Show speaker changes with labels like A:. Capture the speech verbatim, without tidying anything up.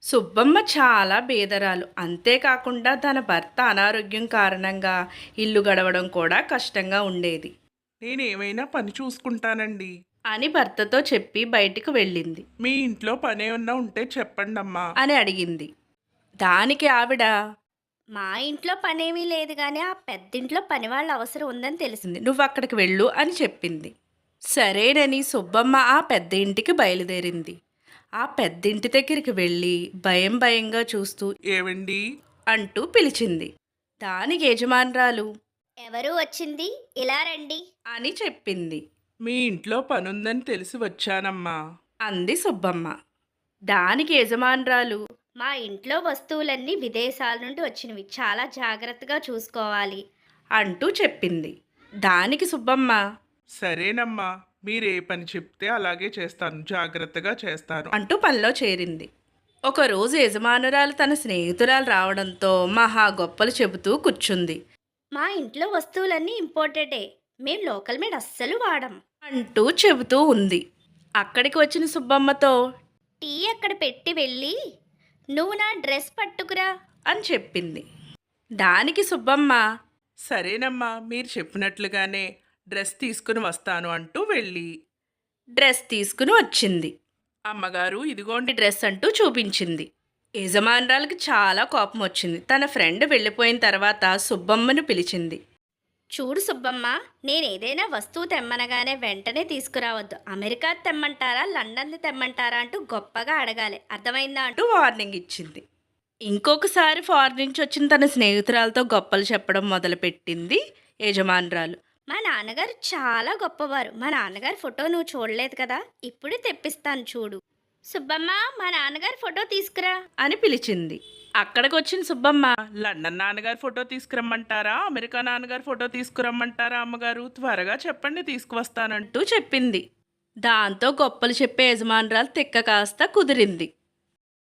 A: సుబ్బమ్మ చాలా బేదరాలు. అంతేకాకుండా తన భర్త అనారోగ్యం కారణంగా ఇల్లు గడవడం కూడా కష్టంగా ఉండేది
B: నేనేమైనా పని చూసుకుంటానండి.
A: అని భర్తతో చెప్పి బయటికి వెళ్ళింది
B: మీ ఇంట్లో పనేమన్నా ఉంటే చెప్పండమ్మా.
A: అని అడిగింది. దానికి ఆవిడ
C: మా ఇంట్లో పనేమీ లేదు గానీ ఆ పెద్దింట్లో పనివాళ్ళ అవసరం ఉందని తెలిసింది.
A: నువ్వు అక్కడికి వెళ్ళు అని చెప్పింది. సరేనని సుబ్బమ్మ ఆ పెద్ద ఇంటికి బయలుదేరింది. ఆ పెద్దింటి దగ్గరికి వెళ్ళి భయం భయంగా చూస్తూ
B: ఏవండి?
A: అంటూ పిలిచింది. దానికి యజమానురాలు
C: ఎవరు వచ్చింది? ఇలా రండి.
A: అని చెప్పింది.
B: మీ ఇంట్లో పనుందని తెలిసి వచ్చానమ్మా.
A: అంది సుబ్బమ్మ. దానికి యజమానురాలు
C: మా ఇంట్లో వస్తువులన్నీ విదేశాల నుండి వచ్చినవి. చాలా జాగ్రత్తగా చూసుకోవాలి.
A: అంటూ చెప్పింది. దానికి సుబ్బమ్మ
B: సరేనమ్మా, మీరే పని చెప్తే అలాగే చేస్తాను, జాగ్రత్తగా చేస్తాను.
A: అంటూ పనిలో చేరింది. ఒకరోజు యజమానురాలు తన స్నేహితురాలు రావడంతో మహా గొప్పలు చెబుతూ కూర్చుంది.
C: మా ఇంట్లో వస్తువులన్నీ ఇంపోర్టెడే. మేం లోకల్ మేడ్ అస్సలు వాడం.
A: అంటూ చెబుతూ ఉంది. అక్కడికి వచ్చిన సుబ్బమ్మతో
C: టీ అక్కడ పెట్టి వెళ్ళి నువ్వు నా డ్రెస్ పట్టుకురా.
A: అని చెప్పింది. దానికి సుబ్బమ్మ
B: సరేనమ్మా, మీరు చెప్పినట్లుగానే డ్రెస్ తీసుకుని వస్తాను అంటూ వెళ్ళి
A: డ్రెస్ తీసుకుని వచ్చింది.
B: అమ్మగారు ఇదిగోండి.
A: డ్రెస్ అంటూ చూపించింది. యజమానురాలకి చాలా కోపం వచ్చింది. తన ఫ్రెండ్ వెళ్ళిపోయిన తర్వాత సుబ్బమ్మను పిలిచింది.
C: చూడు సుబ్బమ్మ, నేనేదైనా వస్తువు తెమ్మనగానే వెంటనే తీసుకురావద్దు. అమెరికా తెమ్మంటారా, లండన్ తెమ్మంటారా అంటూ గొప్పగా అడగాలి. అర్థమైందా అంటూ
A: అంటూ వార్నింగ్ ఇచ్చింది. ఇంకొకసారి ఫారెన్ నుంచి వచ్చిన తన స్నేహితురాలతో గొప్పలు చెప్పడం మొదలుపెట్టింది యజమానురాలు.
C: మా నాన్నగారు చాలా గొప్పవారు. మా నాన్నగారి ఫోటో నువ్వు చూడలేదు కదా, ఇప్పుడు తెప్పిస్తాను చూడు. సుబ్బమ్మ, మా నాన్నగారి ఫోటో తీసుకురా.
A: అని పిలిచింది. అక్కడికి వచ్చిన సుబ్బమ్మ
B: లండన్ నాన్నగారి ఫోటో తీసుకురమ్మంటారా, అమెరికా నాన్నగారి ఫోటో తీసుకురమ్మంటారా? అమ్మగారు త్వరగా చెప్పండి, తీసుకువస్తానంటూ.
A: అంటూ చెప్పింది. దాంతో గొప్పలు చెప్పే యజమానురాలు తిక్క కాస్త కుదిరింది.